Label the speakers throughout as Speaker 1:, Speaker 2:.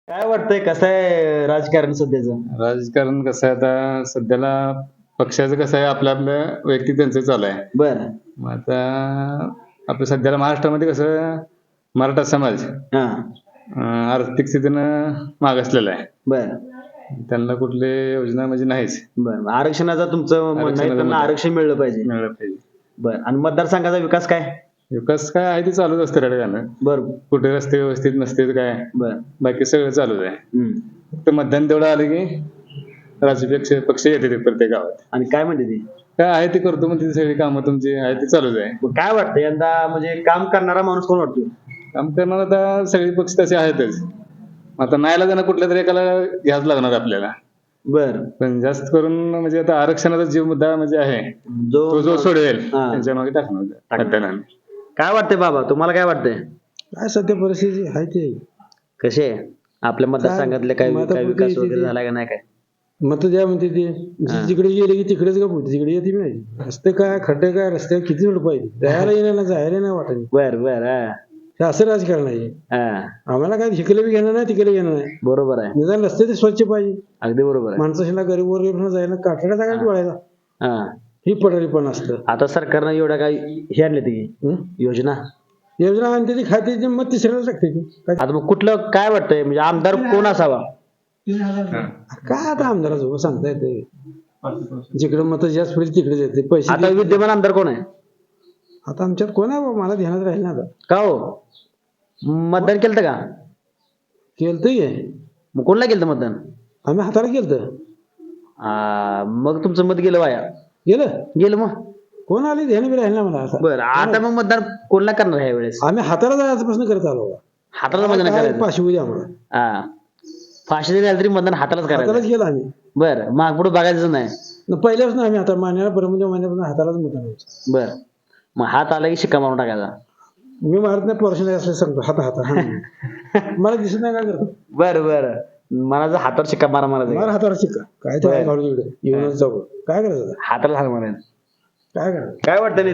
Speaker 1: काय वाटतंय कसं आहे राजकारण सध्याचं?
Speaker 2: राजकारण कसं आहे आता सध्याला पक्षाचं कसं आहे आपलं आपलं वैयक्तिक त्यांचं चालू आहे.
Speaker 1: बरं.
Speaker 2: मग आता आपलं सध्याला महाराष्ट्रामध्ये कसं मराठा समाज आर्थिक स्थितीनं मागासलेला आहे.
Speaker 1: बरं.
Speaker 2: त्यांना कुठली योजना म्हणजे नाहीच.
Speaker 1: बरं. आरक्षणाचा तुमचं म्हणणं आहे,
Speaker 2: आरक्षणाचा
Speaker 1: त्यांना
Speaker 2: मुद्दा.
Speaker 1: आरक्षण मिळलं पाहिजे.
Speaker 2: मिळालं पाहिजे.
Speaker 1: बरं. आणि मतदारसंघाचा विकास काय?
Speaker 2: विकास काय आहे ते चालूच असतं रडगाणं.
Speaker 1: बरं.
Speaker 2: कुठे रस्ते व्यवस्थित नसते काय
Speaker 1: बरं.
Speaker 2: बाकी सगळं चालूच आहे.
Speaker 1: हम्म.
Speaker 2: फक्त मतदान तेवढं आलं की राजकीय पक्ष येते ते प्रत्येक गावात.
Speaker 1: आणि काय म्हणते ती?
Speaker 2: काय आहे ते करतो म्हणजे सगळी कामं तुमची आहे ते चालूच आहे.
Speaker 1: मग काय वाटतं यंदा म्हणजे काम करणारा माणूस कोण वाटतो?
Speaker 2: काम करणार आता सगळे पक्ष तसे आहेतच. आता नाहीला जाणं कुठल्या तरी एकाला घ्यावंच लागणार आपल्याला.
Speaker 1: बरं.
Speaker 2: पण जास्त करून म्हणजे आता आरक्षणाचा जो मुद्दा म्हणजे आहे तो जो सोडवेल त्यांच्या मागे टाकणार मतदानाने.
Speaker 1: काय वाटतंय बाबा, तुम्हाला काय वाटतंय?
Speaker 3: काय सध्या परिस्थिती आहे ते
Speaker 1: कसे आपल्या मतदारसंघातले काय काय विकास वगैरे झाला का नाही काय?
Speaker 3: मत द्या म्हणते ते जिकडे गेले की तिकडेच गप होते तिकडे येते नाही. रस्ते काय खड्डे काय रस्त्यावर किती वेळ पाहिजे जायला येण्याला जायला नाही वाटत.
Speaker 1: बर
Speaker 3: हे असं राजकारण आहे. आम्हाला काय इकडे बी घेणं नाही तिकडे घेणं नाही.
Speaker 1: बरोबर आहे.
Speaker 3: निदान रस्ते ते स्वच्छ पाहिजे.
Speaker 1: अगदी बरोबर आहे.
Speaker 3: माणसाला गरीब वर जायला काठाड्या जागा वळायला ही पडरी पण असतं.
Speaker 1: आता सरकारनं एवढ्या काय हे आणले ती योजना
Speaker 3: योजना आणते ती खाते मग तिसऱ्याला लागते ती
Speaker 1: आता मग कुठलं काय वाटतंय म्हणजे आमदार कोण असावा?
Speaker 3: काय आता आमदाराचं सांगता येते जिकडे मत जास्त पडेल तिकडेच येते पैसे.
Speaker 1: आता विद्यमान आमदार कोण आहे?
Speaker 3: आता आमच्यात कोण आहे बाबा मला ध्यानात राहील ना आता.
Speaker 1: का हो मतदान केलं का?
Speaker 3: केलतंय
Speaker 1: मग कोणला केलं मतदान?
Speaker 3: आम्ही हाताला केलतं.
Speaker 1: मग तुमचं मत गेलं वाया. गेलं मग
Speaker 3: कोण आले ध्यान बी राहील ना मला आता.
Speaker 1: बरं. आता मग मतदान कोणला करणार ह्या वेळेस?
Speaker 3: आम्ही हाताला जायचा प्रश्न करत आलो.
Speaker 1: हाताला मतदान करायचं.
Speaker 3: पाचशे उद्या आम्हाला
Speaker 1: फाशी जरी आली तरी मतदान हातालाच
Speaker 3: हातालाच
Speaker 1: करायचं.
Speaker 3: गेलो आम्ही.
Speaker 1: बरं. मग पुढे बघायचं नाही.
Speaker 3: पहिल्यापासून आम्ही आता महिन्याला परमच्या महिन्यापासून हातालाच मतदान व्हायचं.
Speaker 1: बरं. मग हात आला की शिक्का मारून टाकायचा.
Speaker 3: मी मारत नाही पोर्शन असं सांगतो हाता मला दिसत नाही काय करतो.
Speaker 1: बरं. मला जर हातावर शिक्का मारा मारायचा
Speaker 3: मार हातावर शिक्का काय तर घालून इकडे येऊनच जाऊ काय करायचं
Speaker 1: हाताला हात मारायचं.
Speaker 3: काय करायचं
Speaker 1: काय वाटतं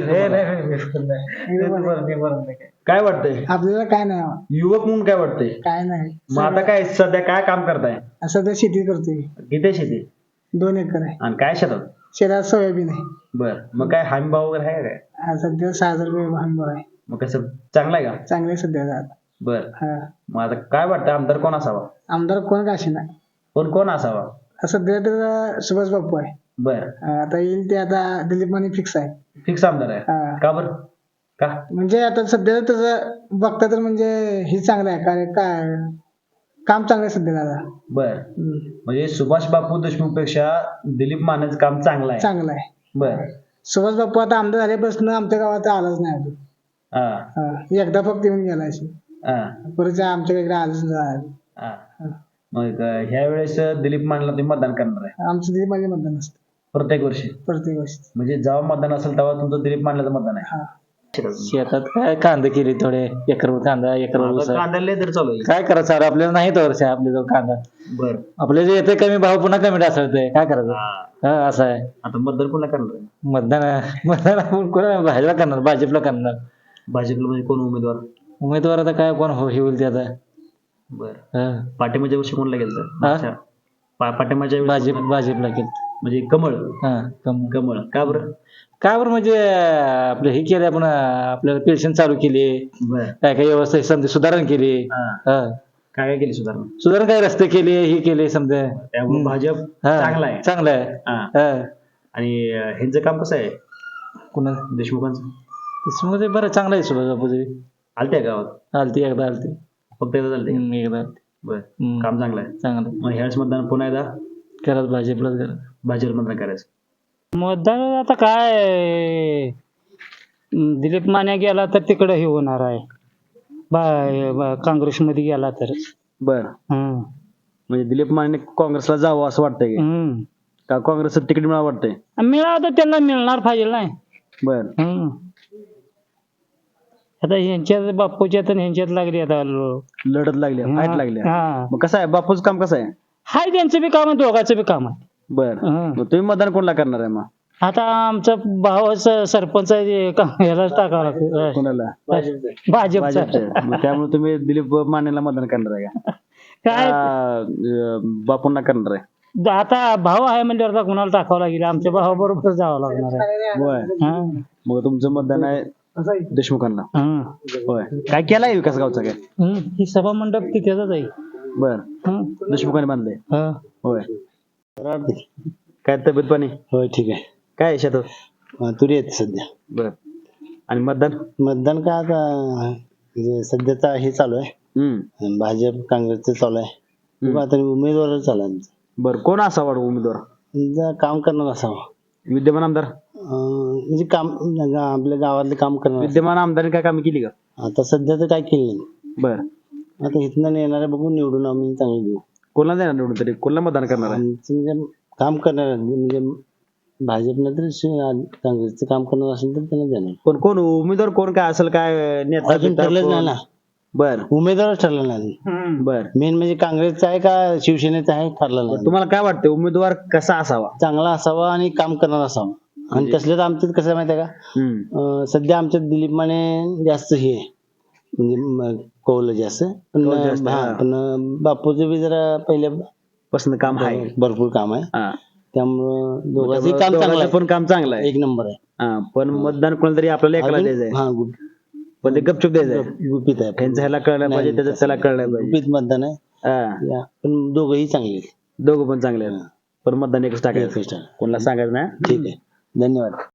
Speaker 1: काय वाटतंय
Speaker 4: आपल्याला काय नाही
Speaker 1: युवक म्हणून काय वाटतंय?
Speaker 4: काय नाही
Speaker 1: मग आता काय सध्या काय काम करताय?
Speaker 4: सध्या शेती करतोय.
Speaker 1: किती शेती?
Speaker 4: 2 एकर आहे.
Speaker 1: आणि काय शेतात?
Speaker 4: शेतात सोयाबीन आहे.
Speaker 1: बर. मग काय हमी भाव वगैरे आहे काय?
Speaker 4: सध्या 6,000 रुपये हमी आहे.
Speaker 1: मग कसं चांगलं आहे का?
Speaker 4: चांगले सध्या
Speaker 1: बर. मग आता काय वाटतं आमदार कोण असावा?
Speaker 4: आमदार कोण काशी नाही.
Speaker 1: कोण असावा?
Speaker 4: सध्या तर सुभाष बापू आहे.
Speaker 1: बर.
Speaker 4: आता येईल ते आता दिलीप माने फिक्स आहे.
Speaker 1: फिक्स आमदार आहे का? बरं का?
Speaker 4: म्हणजे आता सध्या त्याचं बघता तर म्हणजे हे चांगलं आहे काय काम चांगलं आहे सध्या दादा.
Speaker 1: बर. म्हणजे सुभाष बापू देशमुख पेक्षा दिलीप मानेचं काम चांगलं आहे.
Speaker 4: चांगलं आहे.
Speaker 1: बर.
Speaker 4: सुभाष बापू आता आमदार झाल्यापासून आमच्या गावात आलाच नाही अजून. एकदा फक्त येऊन गेला परत आमच्या इकडे आलंच नाही.
Speaker 1: मग ह्या वेळेस दिलीप मानेला तुम्ही मतदान करणार आहे?
Speaker 4: आमचं दिलीप माने मतदान असतं
Speaker 1: प्रत्येक वर्षी. म्हणजे जेव्हा मतदान असेल तेव्हा तुमचं दिलीप मानेचं मतदान आहे.
Speaker 5: शेतात काय कांदा केली थोडे एकर कांदा एकर ऊस आहे.
Speaker 1: कांदा लय दर चालू आहे.
Speaker 5: काय करायचं आपल्याला नाही तर आपल्या जवळ कांदा
Speaker 1: बर.
Speaker 5: आपल्या जे येते कमी भाव पुन्हा कमी ढासळतंय काय करायचं असं आहे.
Speaker 1: आता मतदान कोणाला करणार आहे?
Speaker 5: मतदान आपण कोणा भाजपला करणार भाजपला करणार.
Speaker 1: भाजपला म्हणजे कोण
Speaker 5: उमेदवार आता काय कोण हे होईल ते आता.
Speaker 1: बर. पाठिंबाच्या वर्षी कोणला गेलं? पाठिंबाच्या
Speaker 5: भाजपला केलं
Speaker 1: म्हणजे कमळ.
Speaker 5: कमळ.
Speaker 1: का बरं?
Speaker 5: का बरं म्हणजे आपलं हे केलं आपण आपल्याला पेन्शन चालू केली. काय काय व्यवस्था समजा सुधारणा केली.
Speaker 1: काय केली सुधारणा
Speaker 5: काय रस्ते केले हे केले समजा
Speaker 1: त्यामुळे भाजप चांगला आहे. आणि ह्यांचं काम कसं आहे?
Speaker 5: कुणाला?
Speaker 1: देशमुखांचं
Speaker 5: बरं चांगलं आहे. सुभाष बापूजी
Speaker 1: आलते गावात?
Speaker 5: एकदा आलती
Speaker 1: फक्त एकदा चालते.
Speaker 5: एकदा
Speaker 1: बर. काम चांगलं आहे.
Speaker 5: चांगलं.
Speaker 1: मग ह्याच मतदान पुन्हा एकदा
Speaker 5: करत भाजपलाच करत
Speaker 1: भाजप मतदान करायचं.
Speaker 6: मतदान आता काय दिलीप माने गेला तर तिकडे हे होणार आहे. काँग्रेसमध्ये गेला तर.
Speaker 1: बर. म्हणजे दिलीप माने काँग्रेसला जावं असं वाटतंय का? काँग्रेसचं तिकीट मिळावं वाटतंय?
Speaker 6: मिळावं तर त्यांना मिळणार पाहिजे नाही.
Speaker 1: बर.
Speaker 6: आता ह्यांच्यात बापूच्या तर ह्यांच्यात लागली आता
Speaker 1: लढत लागली फाईट लागली. मग कसं आहे बापूचं काम कसं आहे?
Speaker 6: हाय त्यांचं बी काम आहे दोघांचं बी काम आहे.
Speaker 1: बर. मग तुम्ही मतदान कोणाला करणार आहे? मग
Speaker 6: आता आमचा भावाचा सरपंच ह्यालाच टाकावं लागतं.
Speaker 1: कोणाला?
Speaker 6: भाजपचा.
Speaker 1: त्यामुळे तुम्ही दिलीप मानेला मतदान करणार आहे का?
Speaker 6: काय
Speaker 1: बापूंना करणार आहे?
Speaker 6: आता भाव आहे म्हणजे कुणाला टाकावं लागेल, आमच्या भावाबरोबर जावं लागणार आहे.
Speaker 1: होय.
Speaker 6: हा.
Speaker 1: मग तुमचं मतदान आहे देशमुखांना.
Speaker 6: हा.
Speaker 1: होय. काय केलाय विकास गावचा काय?
Speaker 6: ही सभा मंडप तिथेच आहे.
Speaker 1: बर.
Speaker 6: हा.
Speaker 1: देशमुखांनी बांधले.
Speaker 6: हा.
Speaker 1: होय. काय तब्येत पाणी?
Speaker 3: होय ठीक आहे.
Speaker 1: काय आहे शेतात?
Speaker 3: तुरी येते सध्या.
Speaker 1: बर. आणि मतदान?
Speaker 3: मतदान काय आता म्हणजे सध्याचा हे चालू आहे, भाजप काँग्रेसचं चालू आहे. बघू आता उमेदवार चालू आहे आमचं.
Speaker 1: बर. कोण असावा उमेदवार?
Speaker 3: समजा काम करणार असावं,
Speaker 1: विद्यमान आमदार?
Speaker 3: म्हणजे काम आपल्या गावातले काम करणार.
Speaker 1: विद्यमान आमदारांनी काय कामं केली का?
Speaker 3: आता सध्या तर काय केलं नाही.
Speaker 1: बर.
Speaker 3: आता इथनं येणारे बघून निवडून आम्ही चांगलं देऊ.
Speaker 1: कोणाला देणार निवडून तरी? कोणाला मतदान करणार आहे?
Speaker 3: आमचं म्हणजे काम करणार म्हणजे भाजपनं तर काँग्रेसचं काम करणार असेल तर त्यांना देणार.
Speaker 1: पण कोण उमेदवार कोण काय असेल काय नेता
Speaker 3: अजून
Speaker 1: बिता
Speaker 3: ठरलंच
Speaker 1: कोण?
Speaker 3: नाही ना,
Speaker 1: बर.
Speaker 3: उमेदवारच ठरला नाही.
Speaker 1: बर.
Speaker 3: मेन म्हणजे काँग्रेसचा आहे का शिवसेनेचा आहे ठरलं नाही.
Speaker 1: तुम्हाला काय वाटतं उमेदवार कसा असावा?
Speaker 3: चांगला असावा आणि काम करणार असावा. आणि तसलं तर आमच्यात कसं आहे माहिती आहे का, सध्या आमच्यात दिलीप माने जास्त हे आहे, म्हणजे कौल जास्त. पण
Speaker 1: जास्त,
Speaker 3: हा,
Speaker 1: हा.
Speaker 3: पण बापूचं बी जरा
Speaker 1: पसंत काम आहे.
Speaker 3: भरपूर काम आहे.
Speaker 1: हा.
Speaker 3: त्यामुळं दोघांचं काम चांगलं
Speaker 1: दोघांचं
Speaker 3: आहे,
Speaker 1: पण काम चांगलं आहे.
Speaker 3: एक नंबर आहे.
Speaker 1: हा. पण मतदान कोणाला तरी आपल्याला एकाला द्यायचंय.
Speaker 3: हा,
Speaker 1: पण ते गपचूप द्यायचंय.
Speaker 3: गुपित आहे.
Speaker 1: त्यांचं ह्याला कळलं पाहिजे, त्याचं त्याला कळलं पाहिजे.
Speaker 3: गुपित मतदान आहे.
Speaker 1: हा.
Speaker 3: पण दोघंही चांगले आहेत.
Speaker 1: दोघं पण चांगले आहेत. पण मतदान एकच टाकायचं.
Speaker 3: एकच टाकायचं.
Speaker 1: कोणाला सांगायचं नाही.
Speaker 3: ठीक आहे, धन्यवाद.